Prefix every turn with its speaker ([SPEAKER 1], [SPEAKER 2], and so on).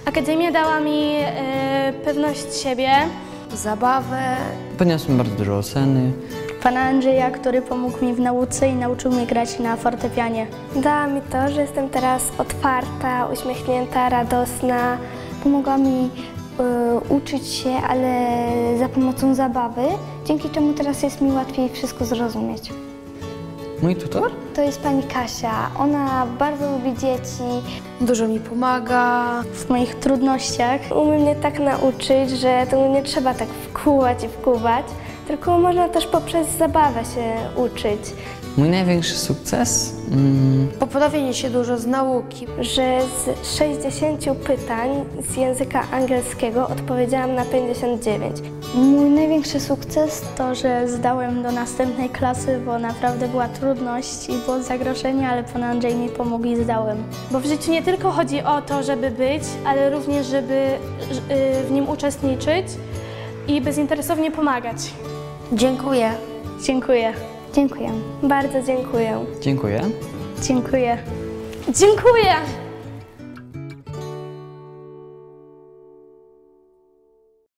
[SPEAKER 1] Akademia dała mi pewność siebie.
[SPEAKER 2] Zabawę.
[SPEAKER 3] Podniosłem bardzo dużo oceny.
[SPEAKER 4] Pana Andrzeja, który pomógł mi w nauce i nauczył mnie grać na fortepianie.
[SPEAKER 5] Dała mi to, że jestem teraz otwarta, uśmiechnięta, radosna.
[SPEAKER 6] Pomogła mi uczyć się, ale za pomocą zabawy, dzięki czemu teraz jest mi łatwiej wszystko zrozumieć.
[SPEAKER 3] Mój tutor?
[SPEAKER 6] To jest pani Kasia. Ona bardzo lubi dzieci.
[SPEAKER 2] Dużo mi pomaga.
[SPEAKER 4] W moich trudnościach
[SPEAKER 5] Umie mnie tak nauczyć, że to nie trzeba tak wkuwać i wkuwać, tylko można też poprzez zabawę się uczyć.
[SPEAKER 3] Mój największy sukces?
[SPEAKER 2] Poprawienie się dużo z nauki.
[SPEAKER 5] Że z 60 pytań z języka angielskiego odpowiedziałam na 59.
[SPEAKER 6] Mój największy sukces
[SPEAKER 4] to, że zdałem do następnej klasy, bo naprawdę była trudność i było zagrożenie, ale pan Andrzej mi pomógł i zdałem.
[SPEAKER 1] Bo w życiu nie tylko chodzi o to, żeby być, ale również, żeby w nim uczestniczyć i bezinteresownie pomagać.
[SPEAKER 2] Dziękuję.
[SPEAKER 4] Dziękuję.
[SPEAKER 6] Dziękuję.
[SPEAKER 5] Bardzo dziękuję.
[SPEAKER 3] Dziękuję.
[SPEAKER 4] Dziękuję.
[SPEAKER 1] Dziękuję!